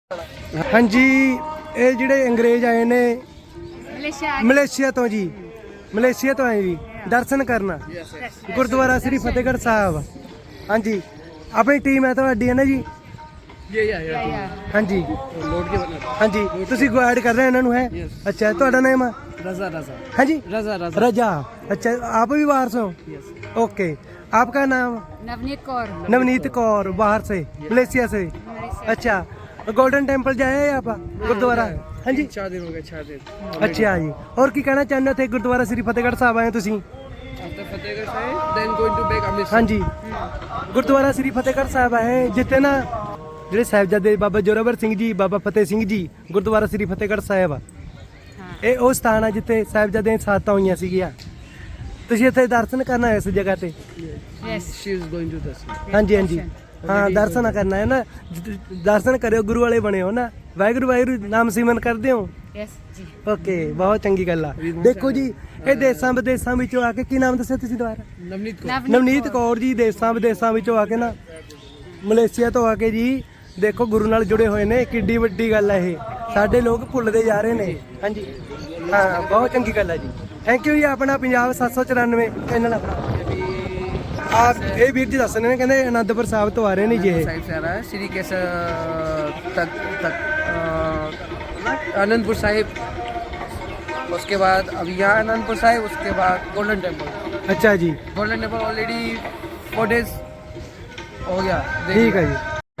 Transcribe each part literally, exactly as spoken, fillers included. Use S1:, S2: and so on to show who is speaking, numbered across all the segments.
S1: हाँ जी, ये जिहड़े अंग्रेज आए ने मलेशिया तो जी, मलेशिया तो आए जी दर्शन करना गुरुद्वारा श्री फतेहगढ़ साहब। हाँ जी, अपनी टीम है तुहाडी है ना जी? हाँ जी हाँ जी, तुसी गाइड कर रहे हैं इन्होंने है? अच्छा, तुहाडा नाम है?
S2: रजा रजा
S1: हाँ जी,
S2: रजा रजा
S1: रजा। अच्छा, आप भी बाहर से हो? ओके, आपका नाम?
S3: नवनीत कौर।
S1: नवनीत कौर, बाहर से, मलेशिया से। अच्छा, गोल्डन टेम्पल जाए आप गुरुद्वारा? हाँ जी,
S2: चार दिन हो गए, चार दिन।
S1: अच्छा जी, और की कहना चाहते थे गुरुद्वारा श्री फतेहगढ़ साहब आए तुसी?
S2: After Fatehgarh Sahib, then going to back Amritsar.
S1: हाँ जी, गुरुद्वारा श्री फतेहगढ़ साहब है जिੱਥੇ ਨਾ ਜਿਹੜੇ ਸਾਹਿਬਜ਼ਾਦੇ ਬਾਬਾ ਜੋਰਾਵਰ ਸਿੰਘ ਜੀ, ਬਾਬਾ ਫਤਿਹ ਸਿੰਘ ਜੀ, ਗੁਰਦੁਆਰਾ श्री ਫਤਿਹਗੜ੍ਹ ਸਾਹਿਬ ਆ। ਇਹ ਉਹ ਸਥਾਨ ਆ ਜਿੱਥੇ ਸਾਹਿਬਜ਼ਾਦੇ ਦੀਆਂ ਸਾਤਾਂ ਹੋਈਆਂ ਸੀਗੀਆਂ। ਤੁਸੀਂ ਇੱਥੇ ਦਰਸ਼ਨ ਕਰਨਾ ਇਸ ਜਗ੍ਹਾ ਤੇ?
S3: Yes.
S2: She is going to Darshan.
S1: ਹਾਂਜੀ ਹਾਂਜੀ, ਹਾਂ ਦਰਸ਼ਨ ਕਰਨਾ ਹੈ ਨਾ, ਦਰਸ਼ਨ ਕਰਿਓ, ਗੁਰੂ ਵਾਲੇ ਬਣੇ ਹੋ ਨਾ, ਵਾਹਿਗੁਰੂ ਵਾਹਿਗੁਰੂ ਨਾਮ ਸਿਮਰਨ ਕਰਦੇ ਹੋ?
S3: Yes ਜੀ।
S1: ਓਕੇ, ਬਹੁਤ ਚੰਗੀ ਗੱਲ ਆ। ਦੇਖੋ ਜੀ, ਇਹ ਦੇਸਾਂ ਵਿਦੇਸਾਂ ਵਿੱਚੋਂ ਆ ਕੇ, ਕੀ ਨਾਮ ਦੱਸਿਆ ਤੁਸੀਂ ਦੁਬਾਰਾ?
S2: ਨਵਨੀਤ ਕੌਰ।
S1: ਨਵਨੀਤ ਕੌਰ ਜੀ ਦੇਸਾਂ ਵਿਦੇਸਾਂ ਵਿੱਚੋਂ ਆ ਕੇ ਨਾ, ਮਲੇਸ਼ੀਆ ਤੋਂ ਆ ਕੇ ਜੀ, ਦੇਖੋ ਗੁਰੂ ਨਾਲ ਜੁੜੇ ਹੋਏ ਨੇ। ਕਿੱਡੀ ਵੱਡੀ ਗੱਲ ਹੈ ਇਹ, ਸਾਡੇ ਲੋਕ ਭੁੱਲਦੇ ਜਾ ਰਹੇ ਨੇ। ਹਾਂਜੀ ਹਾਂ, ਬਹੁਤ ਚੰਗੀ ਗੱਲ ਹੈ ਜੀ। ਥੈਂਕ ਯੂ ਜੀ। ਆਪਣਾ ਪੰਜਾਬ ਸੱਤ ਸੌ ਚੁਰਾਨਵੇਂ ਚੈਨਲ ਆਪਣਾ। ਆ ਇਹ ਵੀਰ ਜੀ ਦੱਸ ਰਹੇ ਨੇ, ਕਹਿੰਦੇ ਅਨੰਦਪੁਰ ਸਾਹਿਬ ਤੋਂ ਆ ਰਹੇ ਨੇ ਜੀ ਇਹ।
S2: साइड से आ रहा है श्री केसर तक तक अ, आनंदपुर साहिब, उसके बाद अब यहाँ आनंदपुर साहिब, उसके बाद गोल्डन टेम्पल।
S1: ਅੱਛਾ ਜੀ,
S2: golden temple already four days हो गया।
S1: ਠੀਕ ਹੈ ਜੀ।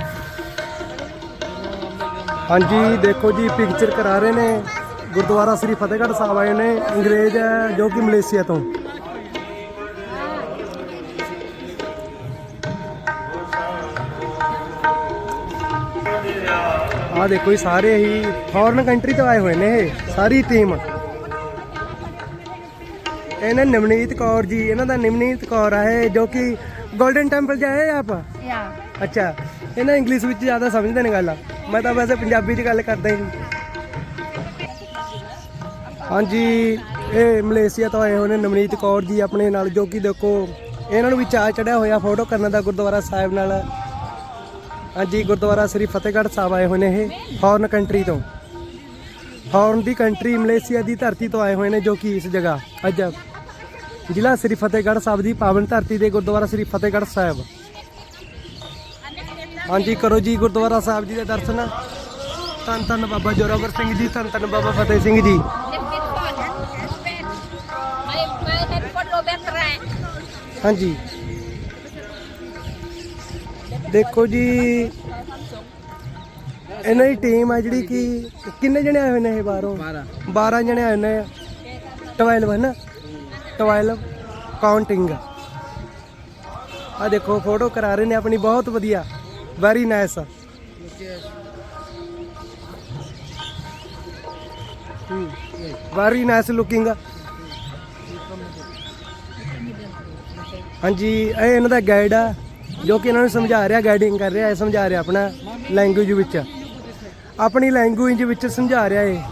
S1: ਹਾਂਜੀ, ਦੇਖੋ ਜੀ, ਪਿਕਚਰ ਕਰਾ ਰਹੇ ਨੇ। ਗੁਰਦੁਆਰਾ ਸ੍ਰੀ ਫਤਿਹਗੜ੍ਹ ਸਾਹਿਬ ਆਏ ਨੇ ਅੰਗਰੇਜ਼ ਹੈ ਜੋ ਕਿ ਮਲੇਸ਼ੀਆ ਤੋਂ। ਆ ਦੇਖੋ ਜੀ, ਸਾਰੇ ਹੀ ਫੋਰਨ ਕੰਟਰੀ ਤੋਂ ਆਏ ਹੋਏ ਨੇ ਇਹ ਸਾਰੀ ਟੀਮ। ਇਹਨਾਂ ਨਵਨੀਤ ਕੌਰ ਜੀ, ਇਹਨਾਂ ਦਾ ਨਵਨੀਤ ਕੌਰ ਹੈ ਜੋ ਕਿ ਗੋਲਡਨ ਟੈਂਪਲ ਜਾਏ ਆਪ।
S3: ਯਾ
S1: ਅੱਛਾ, ਇਹਨਾਂ ਇੰਗਲਿਸ਼ ਵਿੱਚ ਜ਼ਿਆਦਾ ਸਮਝਦੇ ਨੇ ਗੱਲ। ਮੈਂ ਤਾਂ ਵੈਸੇ ਪੰਜਾਬੀ 'ਚ ਗੱਲ ਕਰਦਾ ਹੀ। ਹਾਂਜੀ, ਇਹ ਮਲੇਸ਼ੀਆ ਤੋਂ ਆਏ ਹੋਏ ਨੇ ਨਵਨੀਤ ਕੌਰ ਜੀ ਆਪਣੇ ਨਾਲ, ਜੋ ਕਿ ਦੇਖੋ ਇਹਨਾਂ ਨੂੰ ਵੀ ਚਾਅ ਚੜਿਆ ਹੋਇਆ ਫੋਟੋ ਕਰਨ ਦਾ ਗੁਰਦੁਆਰਾ ਸਾਹਿਬ ਨਾਲ। ਹਾਂਜੀ, ਗੁਰਦੁਆਰਾ ਸ੍ਰੀ ਫਤਿਹਗੜ੍ਹ ਸਾਹਿਬ ਆਏ ਹੋਏ ਨੇ ਇਹ ਫੋਰਨ ਕੰਟਰੀ ਤੋਂ। ਫੋਰਨ ਦੀ ਕੰਟਰੀ ਮਲੇਸ਼ੀਆ ਦੀ ਧਰਤੀ ਤੋਂ ਆਏ ਹੋਏ ਨੇ, ਜੋ ਕਿ ਇਸ ਜਗ੍ਹਾ ਅੱਜ ਜ਼ਿਲ੍ਹਾ ਸ੍ਰੀ ਫਤਿਹਗੜ੍ਹ ਸਾਹਿਬ ਦੀ ਪਾਵਨ ਧਰਤੀ ਦੇ ਗੁਰਦੁਆਰਾ ਸ੍ਰੀ ਫਤਿਹਗੜ੍ਹ ਸਾਹਿਬ। ਹਾਂਜੀ, ਕਰੋ ਜੀ ਗੁਰਦੁਆਰਾ ਸਾਹਿਬ ਜੀ ਦੇ ਦਰਸ਼ਨ। ਧੰਨ ਧੰਨ ਬਾਬਾ ਜੋਰਾਵਰ ਸਿੰਘ ਜੀ, ਧੰਨ ਧੰਨ ਬਾਬਾ ਫਤਿਹ ਸਿੰਘ ਜੀ। ਹਾਂਜੀ, ਦੇਖੋ ਜੀ, ਇਹਨਾਂ ਦੀ ਟੀਮ ਆ ਜਿਹੜੀ ਕਿ ਕਿੰਨੇ ਜਣੇ ਆਏ ਹੋਏ ਨੇ ਇਹ ਬਾਹਰੋਂ?
S2: बारह
S1: ਬਾਰਾਂ ਜਣੇ ਆਏ ਨੇ। ਟਵੈਲਵ ਹੈ ਨਾ, ਟਵੈਲਵ ਕਾਊਂਟਿੰਗ। ਆ ਦੇਖੋ ਫੋਟੋ ਕਰਾ ਰਹੇ ਨੇ ਆਪਣੀ, ਬਹੁਤ ਵਧੀਆ, very nice. Very nice looking. ਹਾਂਜੀ, ਇਹ ਇਹਨਾਂ ਦਾ ਗਾਈਡ ਆ ਜੋ ਕਿ ਇਹਨਾਂ ਨੂੰ ਸਮਝਾ ਰਿਹਾ, ਗਾਈਡਿੰਗ ਕਰ ਰਿਹਾ, ਸਮਝਾ ਰਿਹਾ ਆਪਣਾ ਲੈਂਗੁਏਜ ਵਿੱਚ, ਆਪਣੀ ਲੈਂਗੁਏਜ ਵਿੱਚ ਸਮਝਾ ਰਿਹਾ। ਇਹ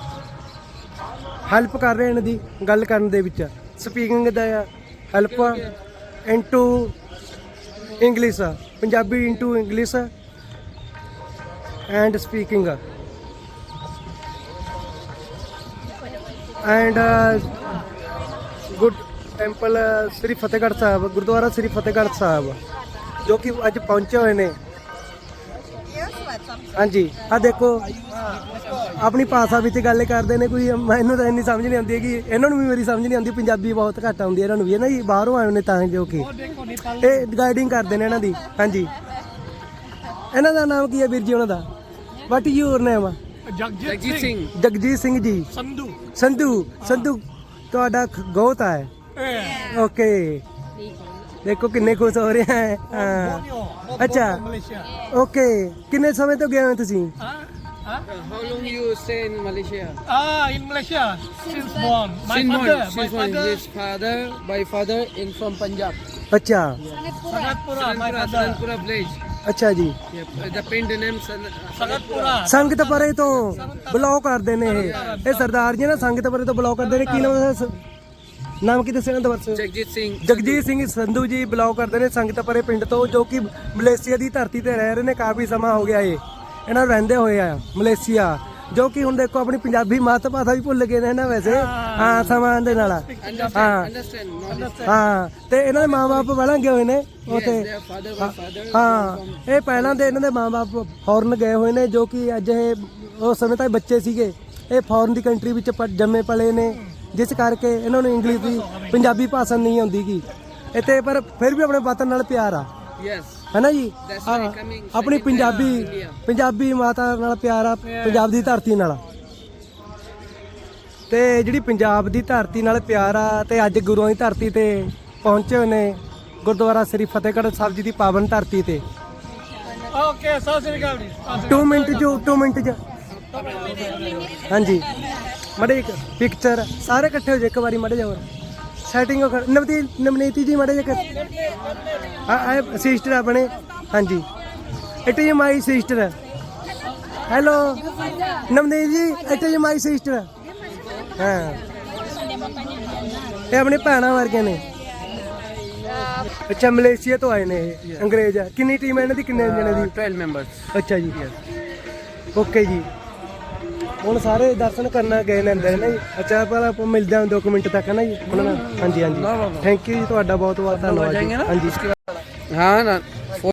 S1: ਹੈਲਪ ਕਰ ਰਿਹਾ ਇਹਨਾਂ ਦੀ ਗੱਲ ਕਰਨ ਦੇ ਵਿੱਚ, ਸਪੀਕਿੰਗ ਦਾ help into English, Punjabi into English and speaking and good temple Sri Fatehgarh Sahib, Gurdwara Sri Fatehgarh Sahib ਜੋ ਕਿ ਅੱਜ ਪਹੁੰਚੇ ਹੋਏ ਨੇ। ਹਾਂਜੀ, ਆ ਦੇਖੋ ਆਪਣੀ ਭਾਸ਼ਾ ਵਿੱਚ ਗੱਲ ਕਰਦੇ ਨੇ। ਕੋਈ ਮੈਨੂੰ ਤਾਂ ਇੰਨੀ ਸਮਝ ਨਹੀਂ ਆਉਂਦੀ ਕਿ ਇਹਨਾਂ ਨੂੰ ਵੀ ਮੇਰੀ ਸਮਝ ਨਹੀਂ ਆਉਂਦੀ, ਪੰਜਾਬੀ ਬਹੁਤ ਘੱਟ ਆਉਂਦੀ ਇਹਨਾਂ ਨੂੰ ਵੀ, ਹੈ ਨਾ ਜੀ, ਬਾਹਰੋਂ ਆਏ ਨੇ ਤਾਂ ਜੋ ਕਿ ਇਹ ਗਾਈਡਿੰਗ ਕਰਦੇ ਨੇ ਇਹਨਾਂ ਦੀ। ਹਾਂਜੀ, ਇਹਨਾਂ ਦਾ ਨਾਮ ਕੀ ਹੈ ਵੀਰ ਜੀ ਉਹਨਾਂ ਦਾ? What is your name?
S2: Jagjit Singh.
S1: Jagjit Singh ji.
S2: Sandhu.
S1: Sandhu. Sandhu ਤੁਹਾਡਾ ਗੋਤ ਹੈ? ਓਕੇ, ਦੇਖੋ ਕਿੰਨੇ ਖੁਸ਼ ਹੋ ਰਹੇ ਹੈ। ਹਾਂ, ਅੱਛਾ, ਓਕੇ, ਕਿੰਨੇ ਸਮੇਂ ਤੋਂ ਗਏ ਹੋ ਤੁਸੀਂ?
S2: How long you stay in Malaysia?
S4: Ah, in Malaysia since born. My
S2: Since
S4: father,
S2: born.
S4: my
S2: Since born.
S4: father,
S2: His father, my father in from Punjab.
S1: ਅੱਛਾ
S4: Sanatpura, my
S2: Sanatpura,
S4: father.
S2: Sanatpura village.
S1: ਅੱਛਾ ਜੀ,
S2: Yep. The paint name San-
S4: Sanatpura.
S1: ਸੰਗਤ ਪਰੇ ਤੋਂ block ਕਰਦੇ ਨੇ ਇਹ ਇਹ ਸਰਦਾਰ ਜੀ ਨਾ, ਸੰਗਤ ਪਰੇ ਤੋਂ ਬਲੌਕ ਕਰਦੇ ਨੇ। ਕੀ ਨਾਮ ਹੈ? ਨਾਮ ਕੀ ਦੱਸਿਆ ਇਹਨਾਂ ਦਾ? ਵਰਸ
S2: जगजीत सिंह।
S1: ਜਗਜੀਤ ਸਿੰਘ ਸੰਧੂ ਜੀ ਬਲੌਗ ਕਰਦੇ ਨੇ ਸੰਗਤ ਪਰੇ ਪਿੰਡ ਤੋਂ, ਜੋ ਕਿ ਮਲੇਸ਼ੀਆ ਦੀ ਧਰਤੀ ਤੇ ਰਹਿ ਰਹੇ ਨੇ ਕਾਫੀ ਸਮਾਂ ਹੋ ਗਿਆ। ਇਹ ਇਹਨਾਂ ਨੂੰ ਰਹਿੰਦੇ ਹੋਏ ਆ ਮਲੇਸ਼ੀਆ, ਜੋ ਕਿ ਹੁਣ ਦੇਖੋ ਆਪਣੀ ਪੰਜਾਬੀ ਮਾਤ ਭਾਸ਼ਾ ਵੀ ਭੁੱਲ ਗਏ ਨੇ ਨਾ ਵੈਸੇ, ਹਾਂ ਸਮਾਂ ਦੇ ਨਾਲ, ਹਾਂ ਹਾਂ। ਤੇ ਇਹਨਾਂ ਦੇ ਮਾਂ-ਬਾਪ ਪਹਿਲਾਂ ਗਏ ਹੋਏ ਨੇ ਉੱਥੇ, ਹਾਂ ਇਹ ਪਹਿਲਾਂ ਦੇ ਇਹਨਾਂ ਦੇ ਮਾਂ-ਬਾਪ ਫੌਰਨ ਗਏ ਹੋਏ ਨੇ, ਜੋ ਕਿ ਅੱਜ ਇਹ ਉਸ ਸਮੇਂ ਤੱਕ ਬੱਚੇ ਸੀਗੇ, ਇਹ ਫੌਰਨ ਦੀ ਕੰਟਰੀ ਵਿੱਚ ਪ- ਜੰਮੇ ਪਲੇ ਨੇ, ਜਿਸ ਕਰਕੇ ਇਹਨਾਂ ਨੂੰ ਇੰਗਲਿਸ਼ ਦੀ ਪੰਜਾਬੀ ਭਾਸ਼ਾ ਨਹੀਂ ਆਉਂਦੀ ਗੀ ਇੱਥੇ, ਪਰ ਫਿਰ ਵੀ ਆਪਣੇ ਵਤਨ ਨਾਲ ਪਿਆਰ ਆ,
S2: Yes.
S1: ਹੈ ਨਾ ਜੀ।
S2: That's
S1: ਹਾਂ,
S2: why coming
S1: ਆਪਣੀ
S2: second
S1: ਪੰਜਾਬੀ
S2: India.
S1: ਪੰਜਾਬੀ ਮਾਤਾ ਨਾਲ ਪਿਆਰ ਆ, ਪੰਜਾਬ ਦੀ ਧਰਤੀ ਨਾਲ, ਤੇ ਜਿਹੜੀ ਪੰਜਾਬ ਦੀ ਧਰਤੀ ਨਾਲ ਪਿਆਰ ਆ, ਤੇ ਅੱਜ ਗੁਰੂਆਂ ਦੀ ਧਰਤੀ ਤੇ ਪਹੁੰਚੇ ਹੋਏ ਨੇ, ਗੁਰਦੁਆਰਾ ਸ੍ਰੀ ਫਤਿਹਗੜ੍ਹ ਸਾਹਿਬ ਜੀ ਦੀ ਪਾਵਨ ਧਰਤੀ ਤੇ।
S4: Okay, ਸਤਿ ਸ੍ਰੀ ਅਕਾਲ ਜੀ। ਸਤਿ ਸ੍ਰੀ
S1: ਟੂ ਮਿੰਟ ਜੋ ਟੂ ਮਿੰਟ ਚ ਹਾਂਜੀ ਮੜੇ ਇੱਕ ਪਿਕਚਰ ਸਾਰੇ ਇਕੱਠੇ ਹੋ ਜਾਓ ਇੱਕ ਵਾਰੀ, ਮੜੇ ਜਾਓ ਸੈਟਿੰਗ ਨਵਤੀ ਨਵਨੀਤੀ ਜੀ ਮੜੇ ਜੇ ਆ ਸਿਸਟਰ ਆਪਣੇ, ਹਾਂਜੀ it is my sister, hello Navneet ji it is my sister, ਹਾਂ ਇਹ ਆਪਣੀ ਭੈਣਾਂ ਵਰਗੇ ਨੇ। ਅੱਛਾ ਮਲੇਸ਼ੀਆ ਤੋਂ ਆਏ ਨੇ ਇਹ ਅੰਗਰੇਜ਼, ਕਿੰਨੀ ਟੀਮ ਹੈ ਇਹਨਾਂ ਦੀ, ਕਿੰਨੇ ਜਣੇ ਦੀ?
S2: twelve members.
S1: ਅੱਛਾ ਜੀ, ਓਕੇ ਜੀ। ਹੁਣ ਸਾਰੇ ਦਰਸ਼ਨ ਕਰਨ ਗਏ ਨੇ ਅੰਦਰ ਨਾ ਜੀ। ਅੱਛਾ ਪਰ ਆਪਾਂ ਮਿਲਦੇ ਹਾਂ ਦੋ ਕੁ ਮਿੰਟ ਤੱਕ ਨਾ ਜੀ ਉਹਨਾਂ ਨਾਲ। ਹਾਂਜੀ ਹਾਂਜੀ ਥੈਂਕ ਯੂ ਜੀ, ਤੁਹਾਡਾ ਬਹੁਤ ਬਹੁਤ ਧੰਨਵਾਦ ਜੀ। ਹਾਂਜੀ
S2: हाँ ना